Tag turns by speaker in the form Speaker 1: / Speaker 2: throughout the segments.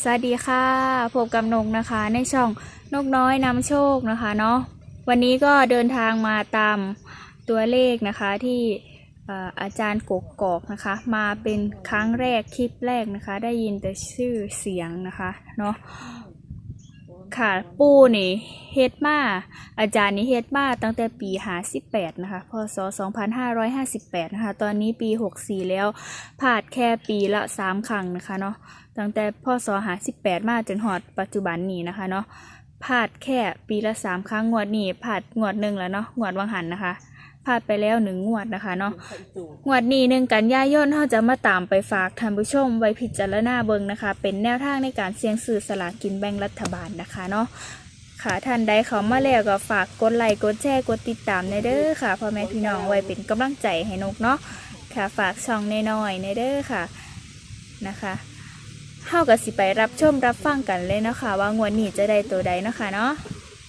Speaker 1: สวัสดีค่ะพบกับนกนะคะในช่องนกน้อยนำโชคนะคะเนาะวันนี้ก็เดินทางมาตามตัวเลขนะคะที่อาจารย์กกอกนะคะมาเป็นครั้งแรกคลิปแรกนะคะได้ยินแต่ชื่อเสียงนะคะเนาะค่ะปูนี่เฮ็ดมาอาจารย์นี่เฮ็ดมาตั้งแต่ปี58นะคะพศ2558นะคะตอนนี้ปี64แล้วผ่านแค่ปีละ3ครั้งนะคะเนาะตั้งแต่พศ58มาจนหอดปัจจุบันนี้นะคะเนาะพลาดแค่ปีละ3ครั้งงวดนี้พลาดงวดหนึ่งแล้วเนาะงวดวังหันนะคะพลาดไปแล้ว1 งวดนะคะเนาะงวดนี้1 กันยายนเราจะมาตามไปฝากท่านผู้ชมไว้พิจารณาเบิ่งนะคะเป็นแนวทางในการเสี่ยงซื้อสลากกินแบ่งรัฐบาลนะคะเนาะค่ะท่านใดเข้ามาแล้วก็ฝากกดไลค์กดแชร์กดติดตามในเด้อค่ะพ่อแม่พี่น้องไว้เป็นกำลังใจให้นกเนาะค่ะฝากช่องน้อยๆในเด้อค่ะนะคะเฮาก็สิไปรับชมรับฟังกันเลยนะคะว่างวดนี้จะได้ตัวใดนะคะเนาะ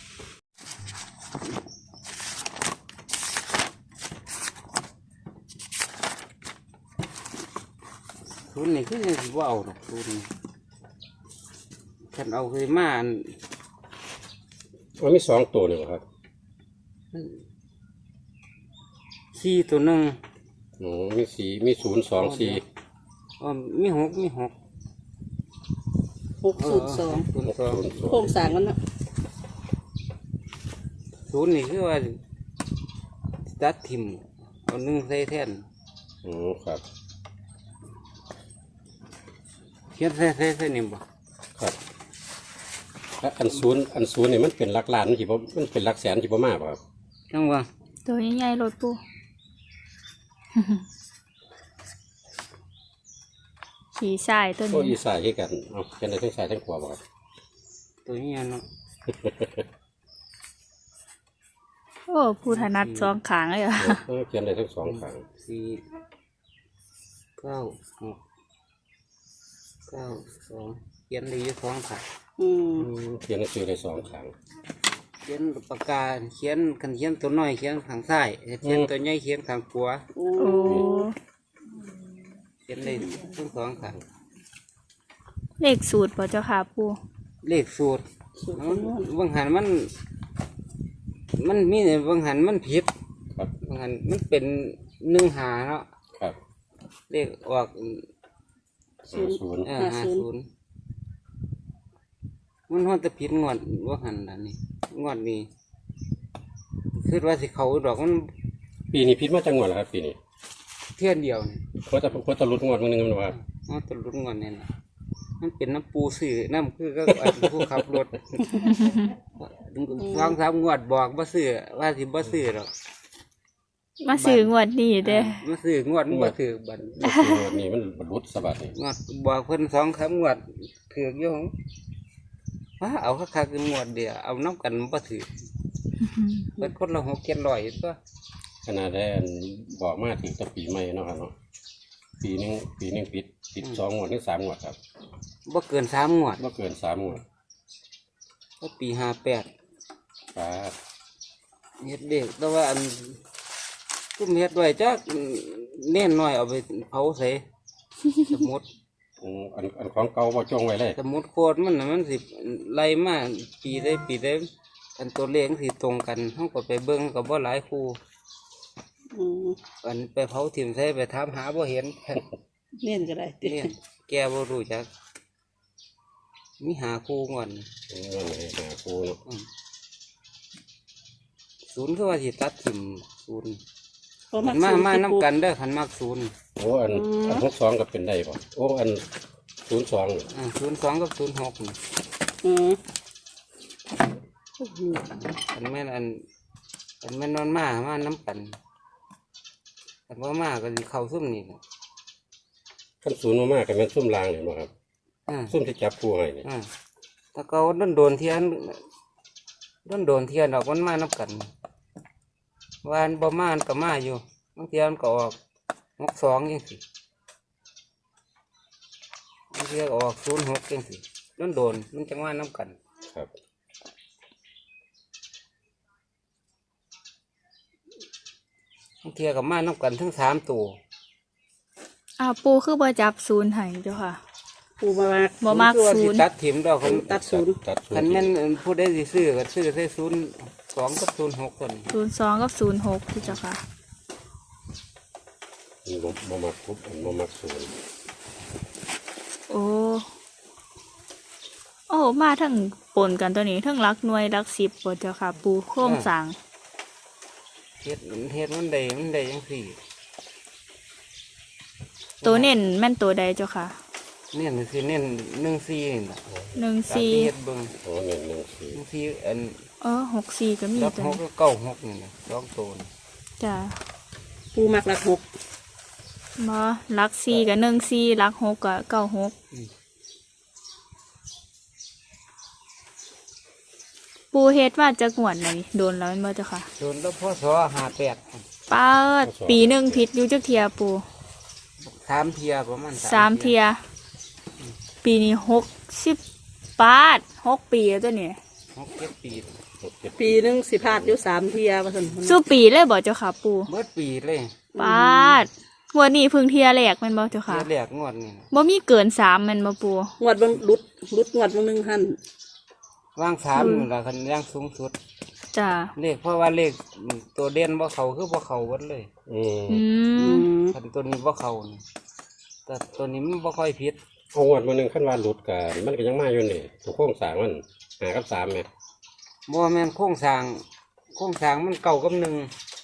Speaker 2: ทุนนี่คือยังสิว่าเอาหรอกทุนฉันเอาเคยมาอัน
Speaker 3: มันมี2 ตัวนี่เหรอครับ
Speaker 2: สี่ตัวหนึ่ง
Speaker 3: มีมี0 2 4
Speaker 2: อ๋อมีหก
Speaker 4: 602
Speaker 2: 0 2
Speaker 4: โครงสร้างมันนะ
Speaker 2: ศูนย์นี่คือว่าตัดทิมเอาหนึ่งใส่แทน
Speaker 3: ครับ
Speaker 2: เขียนใส่นี่บ่
Speaker 3: ครับแล้วอันศูนย์นี่มันเป็นหลักล้านมันสิบ่มันเป็นหลักแสนสิบ่มาบ่ครับ
Speaker 2: จังว่า
Speaker 1: ตัวใหญ่ๆรถปู ขี่สายตัว
Speaker 3: โอ้
Speaker 1: นี้
Speaker 3: อีสายคือกันเอาเขียนได้ทั้งซ้ายทั้งขวาบ่ครับ
Speaker 2: ตัวนี้เนาะ
Speaker 1: โอ้ผู้ถนัดสองขางเลยอ่ะ
Speaker 3: เขียนได้ทั้ง2ข้าง
Speaker 2: สี่เก้าหกเก้าสองเขียนได้อยู่สองค่ะ
Speaker 3: เขียนหนังสือได้2ข้าง
Speaker 2: เขียนปากกาเขียนกันเขียนตัวน้อยเขียนข้างซ้ายเขียนตัวใหญ่เขียนข้างขวา
Speaker 1: โอ้
Speaker 2: เขียนได้ทั้งสองข้าง
Speaker 1: เลขสูตรป่ะเจ้าค่ะปู
Speaker 2: เลขสูตร
Speaker 4: สูตรคำนวณ
Speaker 2: บางหันมันมีเนี่ยบางหันมันผิด
Speaker 3: ครับ
Speaker 2: บางหันมันเป็น1 หาเนาะ
Speaker 3: ครับ
Speaker 2: เลขออก
Speaker 3: 0
Speaker 2: 50มันฮอดแต่ผิดงวดบางหันอันนี้งวดนี้คือว่าสิเขาดอกมัน
Speaker 3: ปีนี้พิษมาจังหวัดเหรอครับปีนี้
Speaker 2: เที่ยนเดียวนี่
Speaker 3: เพราะจะรุดงวดมื้อนึงมันว่า
Speaker 2: เอาตลุดงวดนี่นะมันเป็นน้ำปูสื่อน้ำคือก็อันผู้ขับรถ 2-3 งวดบอกบ่ซื้อว่าสิบ่ซื้อหรอก
Speaker 1: มาซื้องวดนี้เด้อ
Speaker 2: มาซื้องวดมันบ่ถือบัด
Speaker 3: งวดนี้มันรุดสะบัดนี่
Speaker 2: งวดบอกเพิ่น2-3 งวดถือกอยู่ของว่าเอาคักๆงวดเดียวเอาน้ำกันบ่ถือเพิ่นคนละ6-700ตัว
Speaker 3: ขนาดได้อันบอกมาถึงแต่ปีใหม่เนาะครับเนาะปีหนึงปิด2 งวดถึง3 งวดครับ
Speaker 2: บ่เกิน3 งวด
Speaker 3: บ่เกิน3 งวด
Speaker 2: ก็ปี58
Speaker 3: ครับ
Speaker 2: เฮ็ดเด็กแต่ว่าอันกุ้มเฮ็ดไว้จักเน้นน้อยเอาไปเผาใส่สมุด
Speaker 3: อันของเก่าบ่จงไว้เลย
Speaker 2: สมุดโคตรมันน่ะมันสิไล่มาปีได้อันตัวเลขสิตรงกันเฮาก็ไปเบิ่งก็บ่หลายคู่อันไปเผาถิ่มใส่ไปถามหาบ่เห็น
Speaker 4: เน้นก็ได้ติ
Speaker 2: เนี่ยแกบ่รู้จักมีหาคู่ก่อน
Speaker 3: นั่นเลยหาครูเนาะ
Speaker 2: ศูนย์คือว่าสิตัดถิ่มศูนย์
Speaker 4: เพราะ
Speaker 2: ขัน
Speaker 4: สูตร
Speaker 2: มา
Speaker 4: ที่
Speaker 2: น้ำกันเด้อขันมากศูนย์
Speaker 3: โอ้อัน62ก็เป็นได้ป่ะโอ้อัน02นี่
Speaker 2: 02กับ06นี่
Speaker 4: อืม
Speaker 2: ขันแม่นขันแม่นนอนมาน้ำกันขันว่ามาก็สิเข้าซุ่มนี่นะ
Speaker 3: ขั้น0มากๆก็แม่นซุ่มลางนี่บ่ครับ
Speaker 2: อ่า
Speaker 3: ซุ่มที่จับครูให้นี่
Speaker 2: ถ้าเขาโดนเทียนดอกมันมาน้ำกันวานบ่มาก็มาอยู่บางเทียนก็ออก62จังซี่บางเทียก็ออก06จังซี่โดนมันจังว่าน้ำกัน
Speaker 3: ครับ
Speaker 2: บางเทียก็มาน้ำกันทั้ง3 ตัว
Speaker 1: อ้าวปูคือบ่จับศูนย์ให้เจ้าค่ะ
Speaker 4: ปูมา
Speaker 1: บ่มัก
Speaker 2: คือว่า
Speaker 1: ศู
Speaker 2: สิ
Speaker 1: นย์
Speaker 2: ตัดถิ่มดอกคัน
Speaker 4: ตัดศูนย์
Speaker 3: ตัดศูน
Speaker 2: คัน
Speaker 3: ย์
Speaker 2: แม่นผู้ใดสิซื้อก็ซื้อใส่02กับ06คน
Speaker 1: 02กับ06พี่เจ้าค่ะ
Speaker 3: บ่มักปุ๊บบ่มักศูนย์
Speaker 1: โอ้โอ้มาทั้งปนกันตัวนี้ทั้งรักหน่วยรัก10บ่เจ้าค่ะ ปูโครงสร้าง
Speaker 2: เฮ็ดมันได้จังซี่
Speaker 1: ตัวเน้นแม่นตัวใดเจ้าค่ะ
Speaker 2: เน้นสิเน้น14นี่ล่ะตามที่เฮ็ด
Speaker 1: 14
Speaker 2: เบิ่ง
Speaker 3: โอ้1 1 4
Speaker 2: 14อัน
Speaker 1: 64ก็มี
Speaker 2: รับ
Speaker 1: จ้ะ
Speaker 2: 6ก็96นี่นะ2ตัวนี่
Speaker 1: จ้ะ
Speaker 4: ปูมักรักหก
Speaker 1: บ่รัก4กับ14รัก6กับ96ปูเฮ็ดว่าจะงวดไหนโดนแล้วแม่นบ่เจ้าค่ะ
Speaker 2: โดนแล้วพศ58
Speaker 1: ป้าดปีหนึงผิดอยู่จักเที่ยปู
Speaker 2: 3เที่ยประมาณ
Speaker 1: 3เที่ยปีนี้60ปาด6 ปีแล้วตัวนี้
Speaker 2: 6-7 ปี
Speaker 3: 6 7
Speaker 4: ปีหนึงสิพลาดอยู่3 เที่ยว่าซั่น
Speaker 1: สู้ปีเลยบ่เจ้าค่ะปู
Speaker 2: เมื่อปีเลย
Speaker 1: ปาดงวดนี้เพิ่งเที่ยแรกแม่นบ่เจ้าค่ะ
Speaker 2: เที่ยแรกงวดนี่นะ
Speaker 1: บ่มีเกิน3แม่นบ่ปู
Speaker 4: งวดเบิ่งหลุดงวดเบิ่งหนึงหั่น
Speaker 2: ว่าง3นี่ล่ะคันย่างสูงสุด
Speaker 1: จ้ะ
Speaker 2: เลขเพราะว่าเลขตัวเด่นบ่เข้าคือบ่เข้าเบิดเลย
Speaker 1: อื
Speaker 4: อื
Speaker 1: ม
Speaker 4: ม
Speaker 2: คันตัวนี้บ่เข้านี่แต่ตัวนี้มันบ่ค่อยผิด
Speaker 3: เอางวดมื้อนึงคันว่าหลุดก็มันก็ยังมาอยู่นี่ตัวโครงสร้างมัน5กับ3แหม
Speaker 2: บ่แม่นโครงสร้างมันเก่ากับ1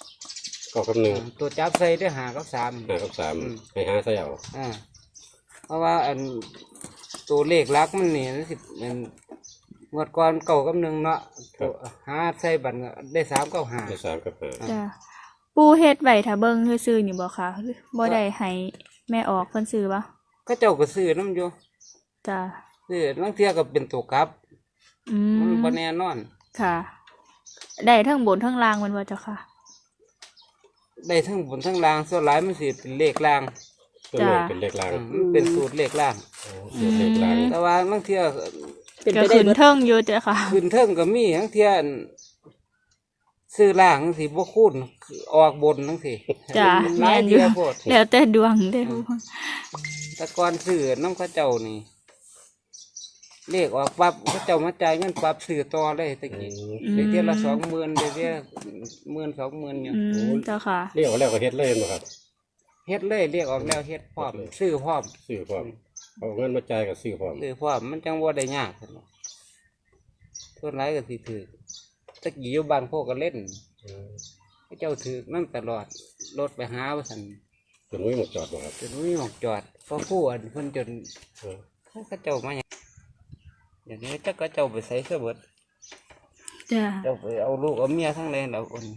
Speaker 3: 9กับ1
Speaker 2: ตัวจับใส่ได้5กับ3
Speaker 3: 5กับ3ให้หาใส่เอา
Speaker 2: เพราะว่าอันตัวเลขหลักมันนี่มันสิอันงวดก่อนเก่ากับ1เนาะตัวหาใส่บัตรก็ได้3กับ
Speaker 3: ได้
Speaker 2: 5
Speaker 3: 3กับ5
Speaker 1: จ้ะปูเฮ็ดไว้ถ้าเบิ่งซื่อๆนี่บ่ค่ะบ่ได้ให้แม่ออกเพิ่นซื้อบ่
Speaker 2: ก็เจ้าก็ซื้อนำอยู่
Speaker 1: จ้ะ
Speaker 2: ซื้อบางเที่ยก็เป็นตัวกลับ
Speaker 1: อื
Speaker 2: มัน
Speaker 1: ม
Speaker 2: บ่แน่นอน
Speaker 1: ค่ะ ได้ทั้งบนทั้งล่างแมันบ่เจ้าค่ะ
Speaker 2: ได้ทั้งบนทั้งล่างส่วนหลายมันสิเป็นเลขล่าง
Speaker 3: ส่วนใหญ่เป็นเลขล่าง
Speaker 2: มันเป็นสูตรเลขล่าง
Speaker 3: สูตรเลขล่าง
Speaker 2: แต่ว่าบางเที่ย
Speaker 4: เป็น
Speaker 1: ก็
Speaker 4: ไปได้
Speaker 1: ขึ้น
Speaker 4: เบิด
Speaker 1: เทิงอยู่เจ้าค่ะ
Speaker 2: ขึ้นเทิงก็มีบางเที่ยอันซื้อล่างจังสิบ่คูณออกบนจังสิ
Speaker 1: จ้ะ
Speaker 2: หลาย
Speaker 1: แม่นอยู่
Speaker 2: เที่ยโพด
Speaker 1: แล้วแต่ดวงเด้อ
Speaker 2: แต่ก่อนซื้อน้ำเข้าเจ้านี่เลขออกปั๊บเขาเจ้ามาจ่ายเงินปั๊บซื้อต่อเลยตะกี้ได้เที่ยละ20,000ได้เที่ย10,000 20,000อยู่
Speaker 1: อืมเจ้าค่ะ
Speaker 3: เรียกว่าแล้วก็เฮ็ดเลยบ่ครับ
Speaker 2: เฮ็ดเลยเรียกออกแล้วเฮ็ดพร้อมซื้อพร้อม
Speaker 3: ซื้อพร้อมเอาเงินมาจ่ายก็ซื้อพร้อม
Speaker 2: ซื้อพร้อมมันจังบ่ได้ยากซั่นเนาะส่วนหลายก็สิถือตะกี้อยู่บ้านพวกก็เล่นเขาเจ้าถือนั่นตลอดรถไปหาว่าซั่น
Speaker 3: จนวิ่งมาจอดบ่ครับ
Speaker 2: จนมีหมอกจอดเพราะผู้อันเพิ่นจน
Speaker 3: เออ
Speaker 2: เขาเจ้ามาหยังเดี๋ยวนี้จักเขาเจ้าไปใส่เสื้อเบิด
Speaker 1: จ้ะ
Speaker 2: เจ้าไปเอาลูกเอาเมียทั้งแรงแล้วคน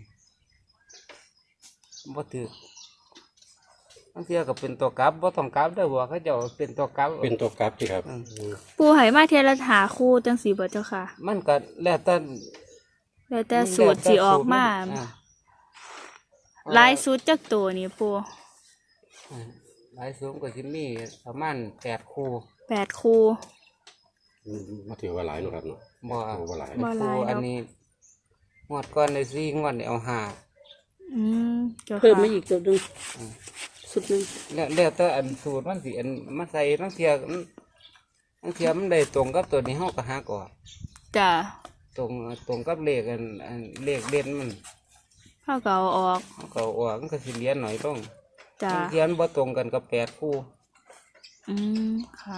Speaker 2: บ่ถือบางเทีก็เป็นตัวกลับบ่ต้องกลับเด้อบ่เขาเจ้าเป็นตัวกลับ
Speaker 3: เป็นตัวกราฟที่ครับ
Speaker 1: ปูให้มาเทียละหาคู่จังซี่บ่เจ้าค่ะ
Speaker 2: มันก็แล้วแต่
Speaker 1: แล้วแต่สูตรสิออกมา
Speaker 2: อ่า
Speaker 1: หลายสูตรจักตัวนี่ปู
Speaker 2: หลายสูงก็สิมีประมาณ8คู่
Speaker 1: 8คู่
Speaker 3: มาถือว่าหลายเนาะครับเนาะ
Speaker 2: บ่
Speaker 3: ถือว่าหลาย
Speaker 1: บ่หลาย
Speaker 2: คู่อัน
Speaker 1: เนาะ
Speaker 2: นี้งวดก่อนได้4งวดนี่เอา5
Speaker 1: อืมเจ้า
Speaker 4: เพิ่ม
Speaker 1: ค่ะ
Speaker 4: มาอีกตัวหนึงสุดหนึง
Speaker 2: แล้วแต่อันสูตรมันสิอันมาใส่บางเทีมันได้ตรงกับตัวนี้เฮาก็หาก่อน
Speaker 1: จ้ะ
Speaker 2: ตรงกับเลขอันเลขเด่นมัน
Speaker 1: เฮาก็เอาออก
Speaker 2: เฮาก็เอาออกมันก็สิเหรียญหน่อยลง
Speaker 1: จ้ะ
Speaker 2: บางเทีมันบ่ตรงกันกับ8คู่
Speaker 1: อืมค่ะ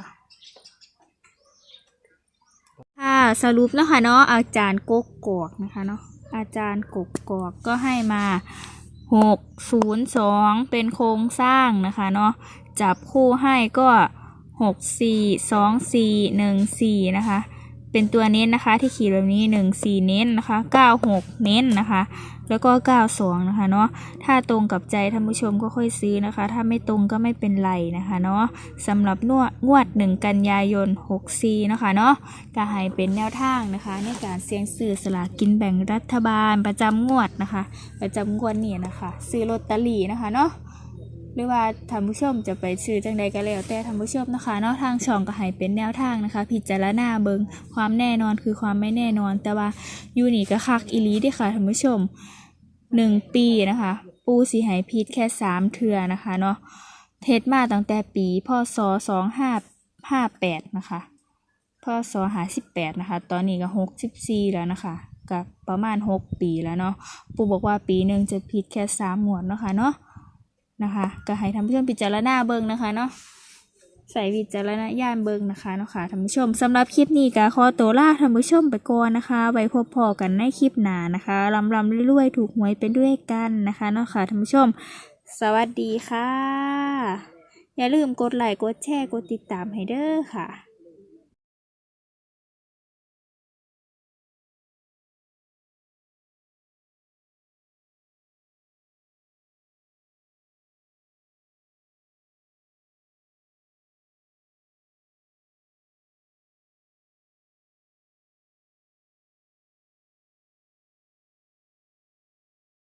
Speaker 1: ค่ะสรุปนะคะเนาะอาจารย์กกกอกนะคะเนาะอาจารย์กกกอกก็ให้มา602เป็นโครงสร้างนะคะเนาะจับคู่ให้ก็642414นะคะเป็นตัวเน้นนะคะที่ขีดแบบนี้14เน้นนะคะ96เน้นนะคะแล้วก็92นะคะเนาะถ้าตรงกับใจท่านผู้ชมก็ค่อยซื้อนะคะถ้าไม่ตรงก็ไม่เป็นไรนะคะเนาะสำหรับงวด1กันยายน64นะคะเนาะก็ให้เป็นแนวทางนะคะในการเสี่ยงซื้อสลากกินแบ่งรัฐบาลประจำงวดนะคะประจำงวดนี้นะคะซื้อลอตเตอรี่นะคะเนาะหรือว่าท่านผู้ชมจะไปซื้อจังใดก็แล้วแต่ท่านผู้ชมนะคะเนาะทางช่องก็ให้เป็นแนวทางนะคะพิจารณาเบิงความแน่นอนคือความไม่แน่นอนแต่ว่าอยู่นี่ก็คักอีหลีเด้อค่ะท่านผู้ชม1 ปีนะคะปูสิให้พิษแค่3 เทื่อนะคะเนาะเทศมาตั้งแต่ปีพศ 58นะคะพศ58นะคะตอนนี้ก็64แล้วนะคะกับประมาณ6ปีแล้วเนาะปู่บอกว่าปีหนึ่งจะผิดแค่3 งวดเนาะค่ะเนาะนะคะก็ให้ท่านผู้ชมพิจารณาเบิ่งนะคะเนาะใส่วิจารณญาณเบิ่งนะคะเนาะค่ะท่านผู้ชมสำหรับคลิปนี้ก็ขอตัวลาท่านผู้ชมไปก่อนนะคะไว้พบพอกันในคลิปหน้านะคะรำๆรวยๆถูกหวยเป็นด้วยกันนะคะเนาะค่ะท่านผู้ชมสวัสดีค่ะอย่าลืมกดไลค์กดแชร์กดติดตามให้เด้อค่ะ